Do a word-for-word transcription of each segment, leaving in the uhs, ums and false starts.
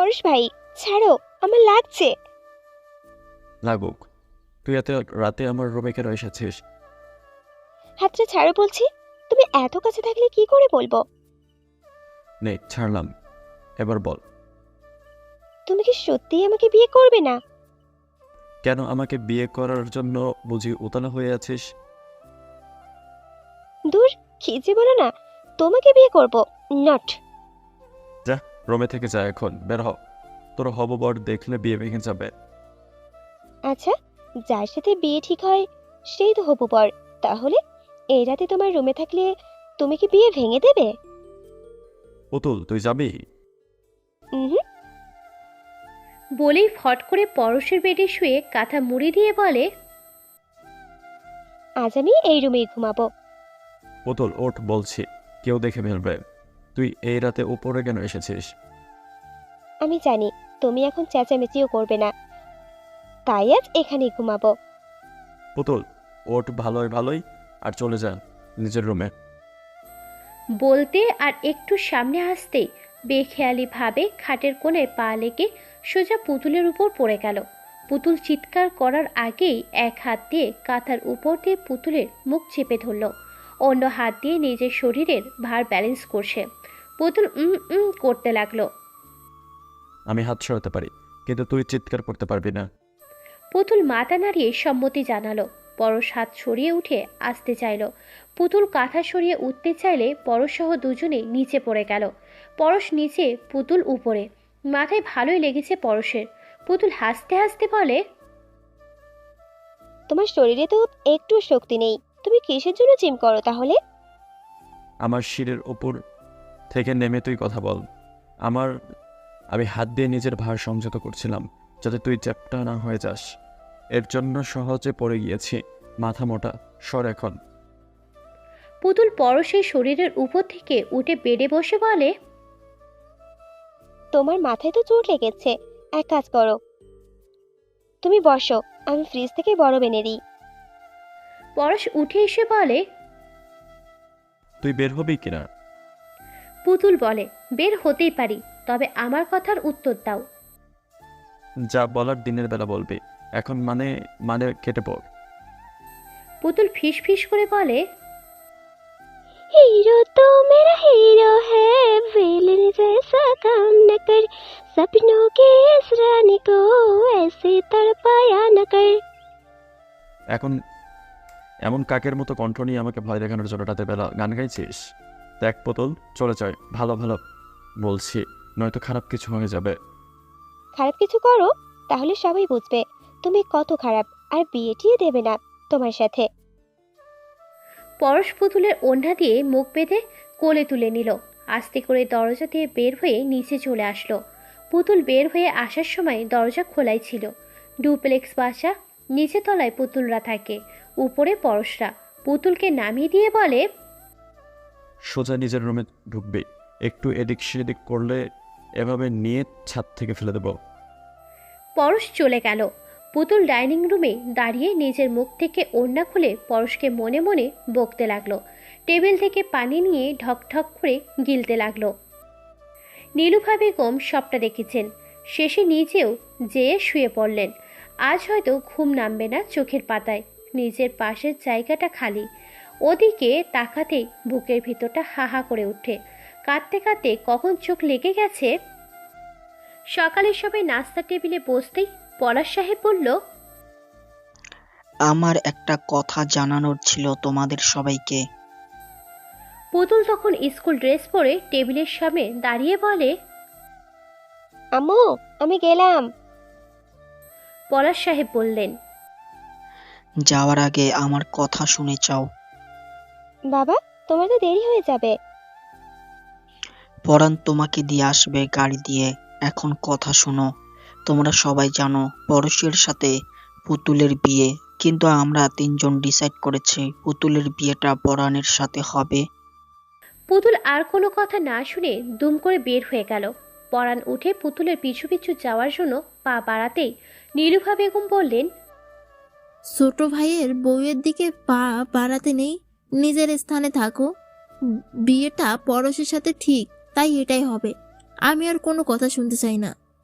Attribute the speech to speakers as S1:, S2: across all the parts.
S1: পরশ ভাই, ছাড়ো, আমার লাগছে।
S2: লাগুক, তুই এত রাতে আমার রুমে কেন এসেছিস?
S1: হাতটা ছাড়ো বলছি। তুমি এত কাছে থাকলে কি করে বলবো?
S2: নে ছাড়লাম, এবার বল।
S1: তুমি কি সত্যিই আমাকে বিয়ে করবে না?
S2: কেন আমাকে বিয়ে করার জন্য বুঝি উতলা হয়ে আছিস?
S1: দূর, কি যে বলো না, তোমাকে বিয়ে করব নট।
S2: যা, রুমে থেকে যা, এখন বের হ। তোর হববর দেখলে বিয়ে ভেঙে যাবে।
S1: আচ্ছা, যার সাথে বিয়ে ঠিক হয় সেই তো হবু বর। তাহলে এই রাতে তোমার রুমে থাকলে তুমি কি বিয়ে ভেঙে দেবে?
S2: পুতুল, তুই যাবি?
S1: হুম।
S3: বলেই ফট করে পরশের বেডে শুয়ে কাঁথা মুড়ি দিয়ে বলে,
S1: আজ আমি এই রুমেই ঘুমাবো।
S2: পুতুল ওঠ বলছি, কেউ দেখে ফেলবে। তুই এই রাতে উপরে কেন এসেছিস?
S1: আমি জানি তুমি এখন চেঁচামেচিও করবে না, তাই আজ এখানেই ঘুমাবো।
S2: পুতুল ওঠ ভালোই ভালোই, আর চলে যা নিজের রুমে।
S3: বলতে আর একটু সামনে আসতেই বেখেয়ালি ভাবে খাটের কোণে পা লেগে সোজা পুতুলের উপর পড়ে গেল। পুতুল চিৎকার করার আগেই এক হাত দিয়ে কাঁথার উপর দিয়ে পুতুলের মুখ চেপে ধরল, অন্য হাত দিয়ে নিজের শরীরের ভার ব্যালেন্স করছে। পুতুল উম উম করতে লাগলো।
S2: আমি হাত সরাতে পারি, কিন্তু তুই চিৎকার করতে পারবি না।
S3: পুতুল মাথা নাড়িয়ে সম্মতি জানালো। পরশ হাত সরিয়ে উঠে আসতে চাইল। পুতুল কাঁথা সরিয়ে উঠতে চাইলে পরশসহ দুজনেই নিচে পড়ে গেল। পরশ নিচে, পুতুল উপরে। মাথায় ভালোই লেগেছে পরশের। পুতুল হাসতে হাসতে বলে,
S1: তোমার শরীরে তো একটু শক্তি নেই, তুমি কিসের জন্য জিম করো তাহলে?
S2: আমার শিরের উপর থেকে নেমে তুই কথা বল। আমার আমি হাত দিয়ে নিজের ভার সংযত করছিলাম, যাতে তুই চ্যাপ্টা না হয়ে যাস। এর জন্য সহজে পড়ে গিয়েছি। মাথা মোটা, সর এখন।
S3: পুতুল পরশের শরীরের উপর থেকে উঠে বেডে বসে বলে,
S1: তোমার মাথায় তো চোট লেগেছে, এক কাজ করো, তুমি বসো, আমি ফ্রিজ থেকে বরফ এনে দিই।
S3: পরশ উঠে এসে বলে,
S2: তুই বের হবি কিনা?
S3: পুতুল বলে, বের হতেই পারি, তবে আমার কথার উত্তর দাও।
S2: যা বলার দিনের বেলা বলবি, এখন মানে মানে কেটে পড়।
S3: পুতুল ফিস ফিস করে বলে,
S1: हीरो तो मेरा हीरो है, विलन जैसा काम न कर, सपनों की इस रानी को ऐसे तड़पाया न कर।
S2: এখন এমন কাকের মতো কণ্ঠ নিয়ে আমাকে ভয় দেখানোর জন্য রাতের বেলা গান গাইছিস? দেখ পুতুল, চলে যায়, ভালো ভালো বলছি, নয়তো খারাপ কিছু হয়ে যাবে।
S1: খারাপ কিছু করো, তাহলে সবাই বুঝবে তুমি কত খারাপ, আর বিয়ে টিয়ে দেবে না তোমার সাথে।
S3: পরশ পুতুলের ওড়না দিয়ে মুখ বেঁধে কোলে তুলে নিল। আস্তে করে দরজা দিয়ে বের হয়ে নিচে চলে আসলো। পুতুল বের হয়ে আসার সময় দরজা খোলাই ছিল। ডুপ্লেক্স বাসা, নিচে তলায় পুতুলরা থাকে, উপরে পরশরা। পুতুলকে নামিয়ে দিয়ে বলে,
S2: সোজা নিজের রুমে ঢুকবি, একটু এদিক সেদিক করলে এভাবে নিয়ে ছাদ থেকে ফেলে দেব।
S3: পরশ চলে গেল। পুতুল ডাইনিং রুমে দাঁড়িয়ে নিজের মুখ থেকে ওড়না খুলে পরশকে মনে মনে বকতে লাগলো। টেবিল থেকে পানি নিয়ে ঢক ঢক করে গিলতে লাগলো। নীলুফা বেগম সবটা দেখেছেন। শেষে নিজেও যেয়ে শুয়ে পড়লেন। আজ হয়তো ঘুম নামবে না চোখের পাতায়। নিজের পাশের জায়গাটা খালি। ওদিকে তাকাতেই বুকের ভিতরটা হাহা করে ওঠে। কাঁদতে কাঁদতে কখন চোখ লেগে গেছে। সকালে সবাই নাস্তার টেবিলে বসতেই পলাশ সাহেব বলল,
S4: আমার একটা কথা জানানোর ছিল তোমাদের সবাইকে।
S3: পুতুল তখন স্কুল ড্রেস পরে টেবিলের সামনে দাঁড়িয়ে বলে,
S1: আম্মু, আমি গেলাম।
S3: পলাশ সাহেব বললেন,
S4: যাওয়ার আগে আমার কথা শুনে যাও।
S1: বাবা, তোমার তো দেরি হয়ে যাবে।
S4: পরাণ তোমাকে দিয়ে আসবে গাড়ি দিয়ে। এখন কথা শোনো, তোমরা সবাই জানো পরশের সাথে পুতুলের বিয়ে, কিন্তু আমরা তিনজন ডিসাইড করেছি পুতুলের বিয়েটা পরাণের সাথে হবে।
S3: পুতুল আর কোনো কথা না শুনে দুম করে বের হয়ে গেল। পরাণ উঠে পুতুলের পিছু পিছু যাওয়ার জন্য পা বাড়াতেই নীলুফা বেগম বললেন,
S5: ছোট ভাইয়ের বউয়ের দিকে পা বাড়াতে নেই, নিজের স্থানে থাকো। বিয়েটা পরশের সাথে ঠিক, তাই এটাই হবে। আমি আর কোনো কথা শুনতে চাই না।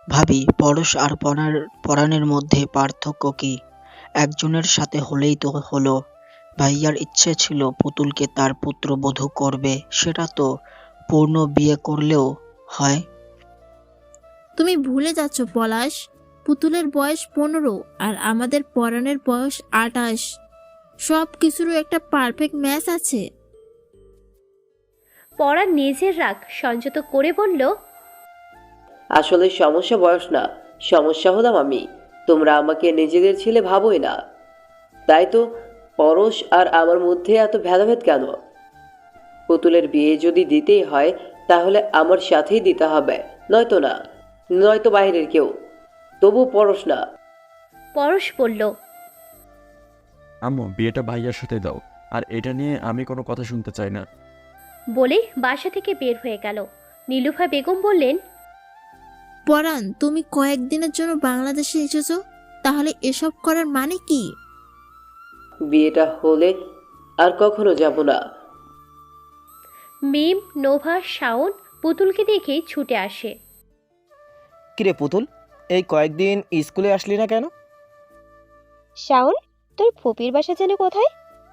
S4: ভাবি পরশ আর পরার পরাণের মধ্যে পার্থক্য কি? একজনের সাথে হলেই তো হলো। ভাইয়ার ইচ্ছে ছিল পুতুলকে তার পুত্রবধূ করবে, সেটা তো পূর্ণ বিয়ে করলেও হয়।
S5: তুমি ভুলে যাচ্ছ পলাশ, পুতুলের বয়স পনেরো আর আমাদের পরাণের বয়স আটাশ। সব কিছুরও একটা পারফেক্ট ম্যাচ আছে।
S3: পরাণ নিজের রাগ সংযত করে বলল,
S6: আসলে সমস্যা বয়স না, সমস্যা হলাম আমি। তোমরা আমাকে নিজেদের ছেলে ভাবোই না, তাই তো পরশ আর আমার মধ্যে এত ভেদাভেদ কেন? পুতুলের বিয়ে যদি দিতেই হয় তাহলে আমার সাথেই দিতে হবে, নয়তো না, নয়তো বাইরের কেউ, তবু পরশ না।
S3: পরশ বলল,
S2: আম্মু বিয়েটা ভাইয়ার সাথে দাও, আর এটা নিয়ে আমি কোনো কথা শুনতে চাই না।
S3: বলেই বাসা থেকে বের হয়ে গেল। নীলুফা বেগম বললেন,
S5: পরাণ, তুমি কয়েকদিনের জন্য বাংলাদেশে এসেছো, তাহলে এসব করার মানে কি?
S6: বিয়েটা হলে আর কখনো যাব না।
S3: মিম, নোভা, শাওন পুতুলকে দেখে ছুটে আসে।
S7: কিরে পুতুল, এই কয়েকদিন স্কুলে আসলি না কেন?
S1: শাওন, তোর ফুপির বাসা যেন কোথায়?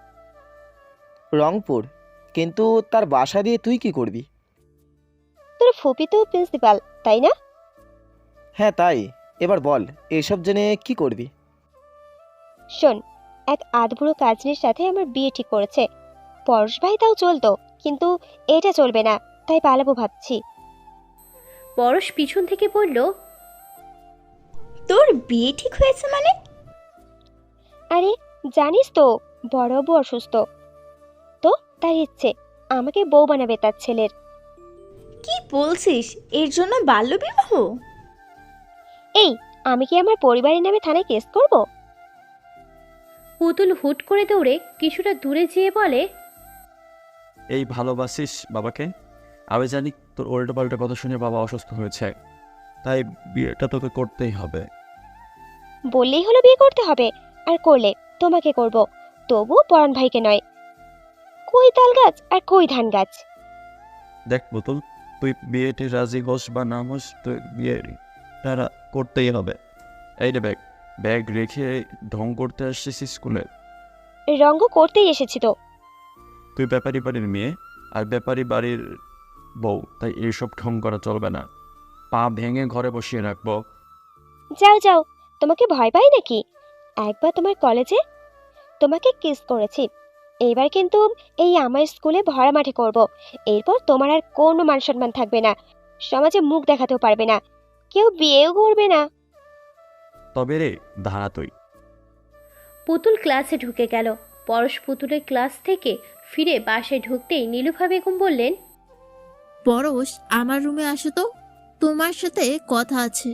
S7: রংপুর। কিন্তু তার বাসা দিয়ে তুই কি করবি?
S1: তোর ফুপি তো প্রিন্সিপাল, তাই না?
S7: হ্যাঁ তাই। এবার বল, এসব জেনে কি করবি?
S1: শোন, এক আধবুড়ো কাজিনের সাথে আমার বিয়ে ঠিক করেছে। পরশ ভাই তাও চলতো, কিন্তু এটা চলবে না, তাই পালাবো ভাবছি।
S3: পরশ পিছন থেকে বলল,
S8: তোর বিয়ে ঠিক হয়েছে মানে?
S1: আরে জানিস তো, বড় বউ অসুস্থ, তো তার ইচ্ছে আমাকে বউ বানাবে তার ছেলের।
S8: কি বলছিস? এর জন্য বাল্যবিবাহ?
S1: এই, আমি কি আমার পরিবারের নামে থানায় কেস করব?
S3: পুতুল হুট করে দৌড়ে কিছুটা দূরে যেয়ে বলে,
S2: এই ভালোবাসিস বাবাকে? আমি জানি তোর উল্টো পাল্টা কথা শুনে বাবা অসুস্থ হয়েছে, তাই বিয়েটা তোকে করতেই হবে।
S1: বললেই হলো বিয়ে করতে হবে, আর করলে তোমাকে করব, তবু পরাণ ভাইকে নয়। কই তাল গাছ আর কই ধান গাছ?
S2: দেখ পুতুল, তুই বিয়েতে রাজি হোস বা না হোস, তুই বিয়ে তারা করতেই হবে। এই রে ব্যাগ, ব্যাগ রেখে ঢং করতে আসছিস স্কুলে?
S1: রঙ্গ করতেই এসেছি তো।
S2: তুই ব্যাপারী বাড়ির মেয়ে আর ব্যাপারী বাড়ির বউ, তাই এইসব ঢং করা চলবে না। পা ভেঙে ঘরে বসিয়ে রাখবো।
S1: যাও যাও, তোমাকে ভয় পাই নাকি? একবার তোমার কলেজে তোমাকে কিস করেছি, এইবার কিন্তু এই আমার স্কুলে ভরা মাঠে করব। এরপর তোমার আর কোনো মান সম্মান থাকবে না, সমাজে মুখ দেখাতেও পারবে না, কেউ বিয়েও করবে না।
S2: তবে রে ধারা তুই।
S3: পুতুল ক্লাসে ঢুকে গেল। পরশ পুতুলের ক্লাস থেকে ফিরে বাসায় ঢুকতেই নীলুফা বেগম বললেন,
S5: পরশ, আমার রুমে আসো তো, তোমার সাথে কথা আছে।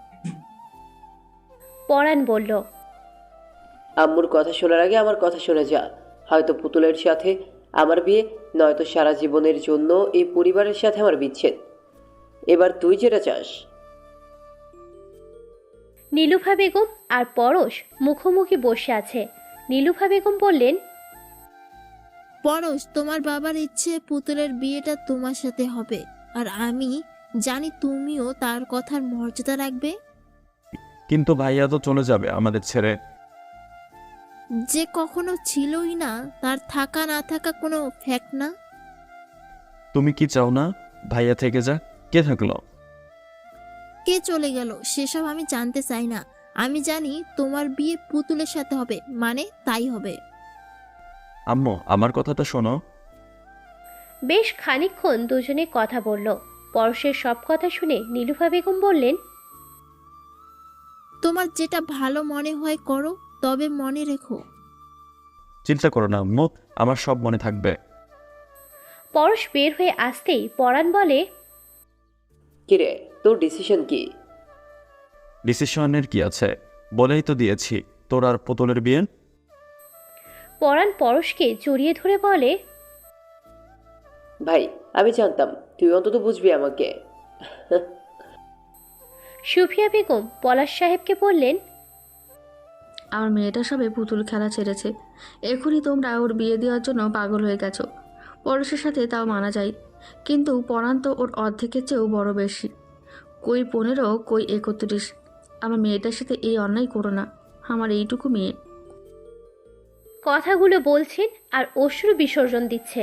S3: পরাণ বলল,
S6: আম্মুর কথা শোনার আগে আমার কথা শুনে যা। হয়তো পুতুলের সাথে আমার বিয়ে, নয়তো সারা জীবনের জন্য এই পরিবারের সাথে আমার বিচ্ছেদ। এবার তুই যেটা চাস।
S3: নীলুফা বেগম আর পরশ মুখোমুখি বসে আছে। নীলুফা বেগম বললেন,
S5: পরশ, তোমার বাবার ইচ্ছে পুতুলের বিয়েটা তোমার সাথে হবে, আর আমি জানি তুমিও তার কথার মর্যাদা রাখবে।
S2: কিন্তু ভাইয়া তো চলে যাবে আমাদের ছেড়ে।
S5: যে কখনো ছিলই না, তার থাকা না থাকা কোনো ফ্যাক্ট না।
S2: তুমি কি চাও না ভাইয়া থেকে যা? কে থাকলো?
S5: কে চলে গেল সেসব আমি জানতে চাই না। আমি জানি তোমার বিয়ে পুতুলের সাথে হবে, মানে তাই হবে।
S2: আম্মু আমার কথাটা শোনো।
S3: বেশ খানিকক্ষণ দুজনে কথা বলল। পরশের সব কথা শুনে নীলুফা বেগম বললেন,
S5: তোমার যেটা ভালো মনে হয় করো, তবে মনে রেখো।
S2: চিন্তা করো না আম্মু, আমার সব মনে থাকবে।
S3: পরশ বের হয়ে আসতেই পরাণ বলে,
S6: কিরে, তোর ডিসিশন কি?
S2: ডিসিশনের কি আছে, বলেই তো দিয়েছি, তোর আর পুতুলের বিয়ে।
S3: পরাণ পরশকে জড়িয়ে ধরে বলে,
S6: ভাই, আমি জানতাম তুই অন্তত বুঝবি আমাকে।
S3: সুফিয়া বেগম পলাশ সাহেবকে বললেন,
S9: আমার মেয়েটা সবে পুতুল খেলা ছেড়েছে, এখনই তোমরা ওর বিয়ে দেওয়ার জন্য পাগল হয়ে গেছো। পরশের সাথে তাও মানা যায়, কিন্তু পরাণ তো ওর অর্ধেকের চেয়েও বড় বেশি। কই পনেরো, কই একত্রিশ। আমার মেয়েটার সাথে এই অন্যায় করো না। আমার এইটুকু মেয়ে।
S3: কথাগুলো বলছেন আর অশ্রু বিসর্জন দিচ্ছেন।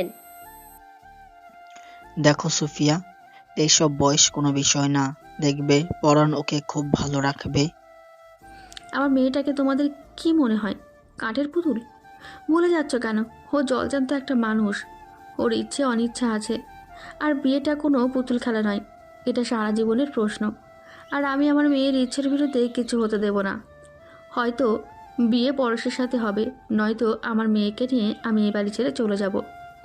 S4: দেখো সুফিয়া, এইসব বয়স কোনো বিষয় না। দেখবে পরাণ ওকে খুব ভালো রাখবে।
S9: আমার মেয়েটাকে তোমাদের কি মনে হয়, কাঠের পুতুল? ভুলে যাচ্ছ কেন? ও জলজান্ত একটা মানুষ। ওর ইচ্ছে অনিচ্ছা আছে। আর বিয়েটা কোনো পুতুল খেলা নয়, এটা সারা জীবনের প্রশ্ন। আর আমি আমার মেয়ের ইচ্ছের বিরুদ্ধে কিছু হতে দেব না। হয়তো বিয়ে পরশের সাথে হবে, নয়তো আমার মেয়েকে নিয়ে আমি এই বাড়ি ছেড়ে চলে যাব।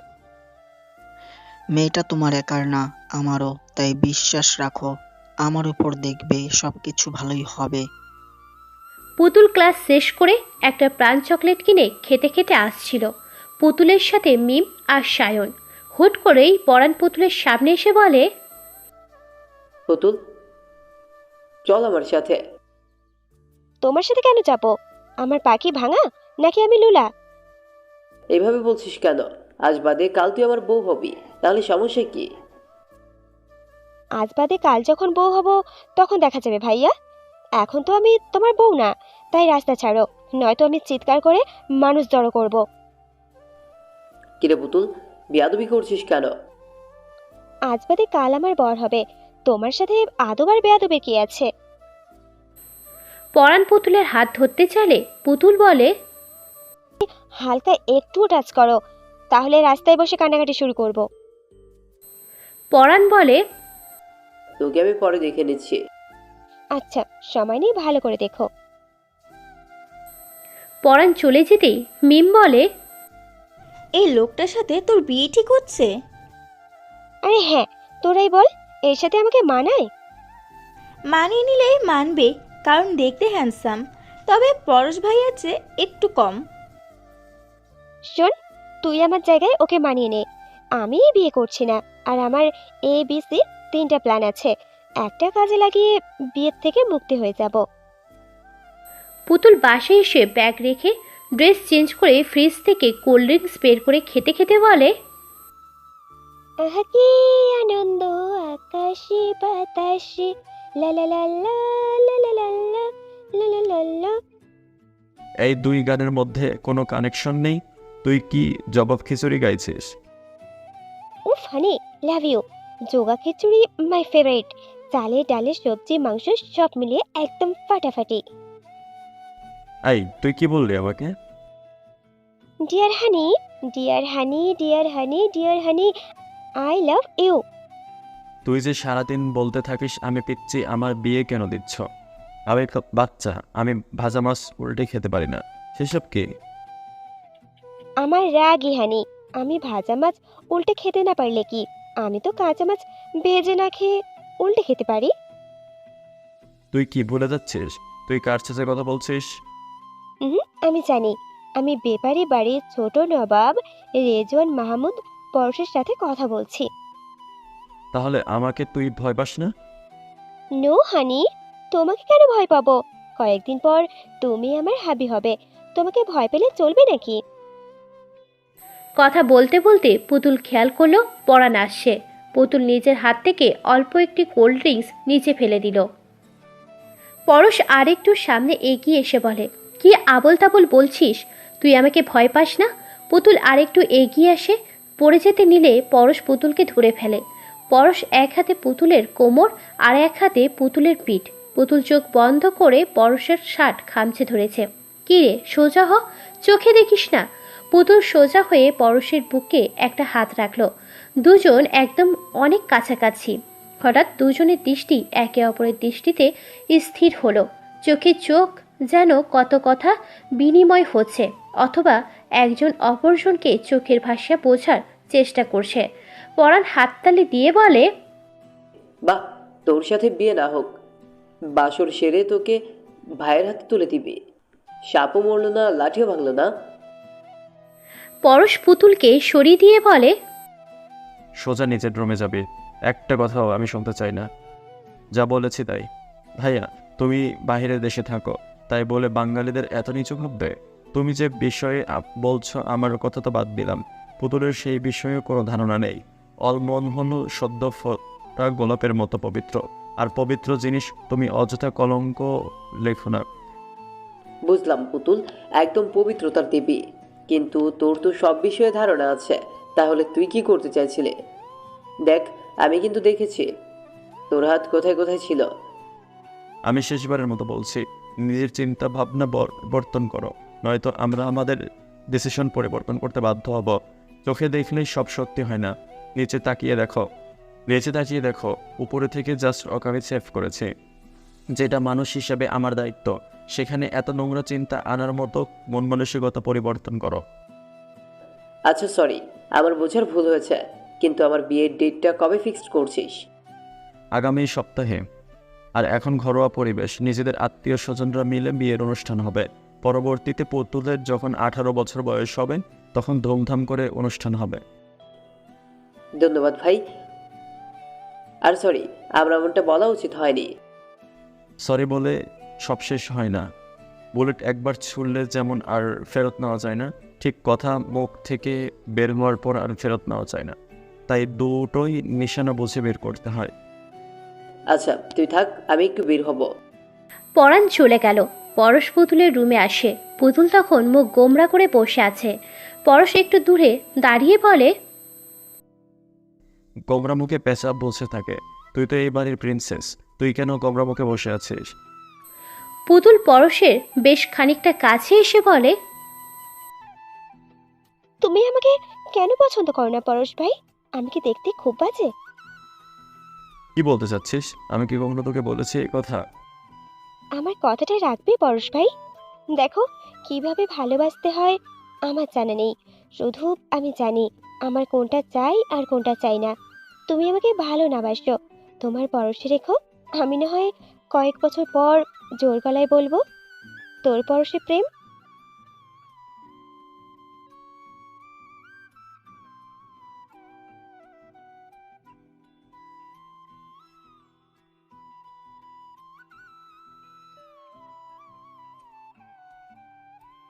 S4: মেয়েটা তোমার একার না, আমারও। তাই বিশ্বাস রাখো আমার উপর, দেখবে সবকিছু ভালোই হবে।
S3: পুতুল ক্লাস শেষ করে একটা প্রাণ চকলেট কিনে খেতে খেতে আসছিল পুতুলের সাথে মিম আর সায়ন। হুট করেই পরাণ পুতুলের সামনে এসে বলে,
S6: পুতুল, চল আমার সাথে।
S1: তোমার সাথে কেন যাবো? আমার পাখি ভাঙা নাকি আমি লুলা?
S6: এইভাবে বলছিস কেন? আজ বাদে কাল তুই আমার বউ হবি, তাহলে সমস্যা কি?
S1: আজ বাদে কাল যখন বউ হব তখন দেখা যাবে ভাইয়া। এখন তো আমি তোমার বউ না, তাই রাস্তা ছাড়ো, নয়তো আমি চিৎকার করে মানুষ জড়ো করব।
S6: কিরে পুতুল, বিয়াদবি করছিস কেন?
S1: আজ বাদে কাল আমার বর হবে, তোমার সাথে আদব আর বেয়াদবের কি আছে?
S3: পরাণ পুতুলের হাত ধরতে চাইলে পুতুল বলে,
S1: হালকা একটু টাচ করো, তাহলে রাস্তায় বসে কান্নাকাটি শুরু করব।
S3: পরাণ বলে,
S6: তোকে আমি পরে দেখে নিচ্ছি।
S1: আচ্ছা, সময় নিয়ে ভালো করে দেখো।
S3: পরাণ চলে যেতেই মিম বলে,
S8: এই লোকটার সাথে তোর বিয়ে ঠিক হচ্ছে?
S1: আরে হ্যাঁ, তোরাই বল, এর সাথে আমাকে মানায়?
S8: মানিয়ে নিলে মানবে, কারণ দেখতে হ্যান্ডসাম, তবে পরশ ভাইয়ার চেয়ে একটু কম।
S1: শোন, তুই আমার জায়গায় ওকে মানিয়ে নে। আমি বিয়ে করছি না, আর আমার এ বি সি তিনটা প্ল্যান আছে, একটা কাজে লাগিয়ে বিয়ের থেকে মুক্তি হয়ে যাব।
S3: পুতুল বাসায় এসে ব্যাগ রেখে ড্রেস চেঞ্জ করে ফ্রিজ থেকে কোল্ড ড্রিঙ্কস বের করে খেতে খেতে বলে,
S1: আহা কি আনন্দ আকাশে বাতাসে, লা লা লা লা লা লা লা লা লা লা লা লা।
S2: এই দুই গানের মধ্যে কোনো কানেকশন নেই? তুই কি জবাব খিচুড়ি গাইছিস?
S1: উফ হানি, লাভ ইউ। যোগা খিচুড়ি মাই ফেভারিট। চালে ডালে সবজি মাংস সব মিলিয়ে একদম ফাটাফাটি।
S2: এই তুই কি বললি আমাকে?
S1: Dear honey, dear honey, dear honey, dear honey, I love you.
S2: তুই যে সারাদিন বলতে থাকিস আমি পিচ্ছি, আমার বিয়ে কেন দিচ্ছ? আমি একটা বাচ্চা, আমি ভাজা মাছ উল্টে খেতে পারি না, সেসব কি?
S1: আমার রাগই হানি, আমি ভাজা মাছ উল্টে খেতে না পারলে কি, আমি তো কাঁচা মাছ ভেজে না খেয়ে উল্টে খেতে পারি।
S2: তুই কি ভুলে যাচ্ছিস? তুই কার সাথে কথা বলছিস?
S1: হুম, আমি জানি, আমি বেপারি বাড়ির ছোট নবাব রেজওয়ান মাহমুদ পরশের সাথে কথা বলছি।
S2: তাহলে আমাকে তুই ভয় পাস না?
S1: নো হানি, তোমাকে কেন ভয় পাবো? কয়েকদিন পর তুমি আমার হাবি হবে, তোমাকে ভয় পেলে চলবে নাকি?
S3: কথা বলতে বলতে পুতুল খেয়াল করলো পরাণ আসছে। পুতুল নিজের হাত থেকে অল্প একটি কোল্ড ড্রিঙ্কস নিচে ফেলে দিল। পরশ আরেকটু সামনে এগিয়ে এসে বলে, কি আবল তাবল বলছিস? তুই আমাকে ভয় পাস না? পুতুল আরেকটু এগিয়ে আসে, পড়ে যেতে নিলে পরশ পুতুলকে ধরে ফেলে। পরশ এক হাতে পুতুলের কোমর আর এক হাতে পুতুলের পিঠ। পুতুল চোখ বন্ধ করে পরশের শার্ট খামচে ধরেছে। কি রে, সোজা হ, চোখে দেখিস না। পুতুল সোজা হয়ে পরশের বুকে একটা হাত রাখলো। দুজন একদম অনেক কাছাকাছি। হঠাৎ দুজনের দৃষ্টি একে অপরের দৃষ্টিতে স্থির হলো। চোখে চোখ যেন কত কথা বিনিময় হচ্ছে, অথবা একজন অপরজনকে চোখের ভাষা বোঝার চেষ্টা করছে। পরাণ হাততালি দিয়ে বলে,
S6: বাহ, তোর সাথে বিয়ে না হোক, বাসর সেরে তোকে ভাইয়ের হাতে তুলে দিবি। সাপও মরলো না, লাঠিও ভাঙলো না।
S3: পরশ পুতুলকে সরিয়ে দিয়ে বলে,
S2: সোজা নিচের রুমে যাবি, একটা কথাও আমি শুনতে চাই না। যা বলেছি তাই। ভাইয়া, তুমি বাইরের দেশে থাকো, তাই বলে বাঙালিদের এত নিচু ভাববে? তুমি যে বিষয়ে আপ- বলছো আমার কথা তো বাদ দিলাম, পুতুলের সেই বিষয়ে কোনো ধারণা নেই। অলমন হল সদ্য ফোটা গোলাপের মতো পবিত্র, আর পবিত্র জিনিস তুমি অযথা কলঙ্ক লেখো না।
S6: বুঝলাম পুতুল, একদম পবিত্রতার দেবী, কিন্তু তোর তো সব বিষয়ে ধারণা আছে। তাহলে তুই কি করতে চাইছিলে? দেখ, আমি কিন্তু দেখেছি তোর হাত কোথায় কোথায় ছিল।
S2: আমি শেষবারের মতো বলছি, নিজের চিন্তা ভাবনা পরিবর্তন করো, নয়তো আমরা আমাদের ডিসিশন পরিবর্তন করতে বাধ্য হব। চোখে দেখলেই সব সত্যি হয় না, নিচে তাকিয়ে দেখো, নিচে তাকিয়ে দেখো, উপরে থেকে জাস্ট ওকে সেভ করেছে, যেটা মানুষ হিসেবে আমার দায়িত্ব। সেখানে এত নোংরা চিন্তা আনার মতো মন মানসিকতা পরিবর্তন করো।
S6: আচ্ছা সরি, আমার বোঝার ভুল হয়েছে, কিন্তু আমার বিয়ের ডেটটা কবে ফিক্সড করছিস?
S2: আগামী সপ্তাহে। আর এখন ঘরোয়া পরিবেশ, নিজেদের আত্মীয় স্বজনরা মিলে বিয়ের অনুষ্ঠান হবে। পরবর্তীতে পুতুলের যখন আঠারো বছর বয়স হবে তখন ধুমধাম করে অনুষ্ঠান হবে।
S6: ধন্যবাদ ভাই। আর সরি, আমার এমনটা বলা উচিত হয়নি।
S2: সরি বলে সব শেষ হয় না। বুলেট একবার ছুড়লে যেমন আর ফেরত নেওয়া যায় না, ঠিক কথা মুখ থেকে বের হওয়ার পর আর ফেরত নেওয়া যায় না। তাই দুটোই নিশানা বুঝে বের করতে হয়।
S6: আচ্ছা তুই থাক, আমি একটু বের হব।
S3: পরাণ চলে গেল। পরশ পুতুলের রুমে আসে। পুতুল তখন মুখ গোমরা করে বসে আছে। পরশ একটু দূরে দাঁড়িয়ে বলে,
S2: গোমরা মুখে পেঁচাব বসে থাকে। তুই তো এই বাড়ির প্রিন্সেস, তুই কেন গোমরা মুখে বসে আছিস?
S3: পুতুল পরশের বেশ খানিকটা কাছে এসে বলে,
S1: তুমি আমাকে কেন পছন্দ করো না পরশ ভাই? আমি কি দেখতে খুব বাজে?
S2: কি বলতে চাচ্ছিস? আমি কি কখনো তোকে বলেছি এই কথা?
S1: আমার কথাটা রাখবে পরশ ভাই? দেখো, কিভাবে ভালোবাসতে হয় আমার জানা নেই, শুধু আমি জানি আমার কোনটা চাই আর কোনটা চাই না। তুমি আমাকে ভালো না বাসো, তোমার পরশে রেখো। আমি না হয় কয়েক বছর পর জোর গলায় বলবো, তোর পরশে প্রেম।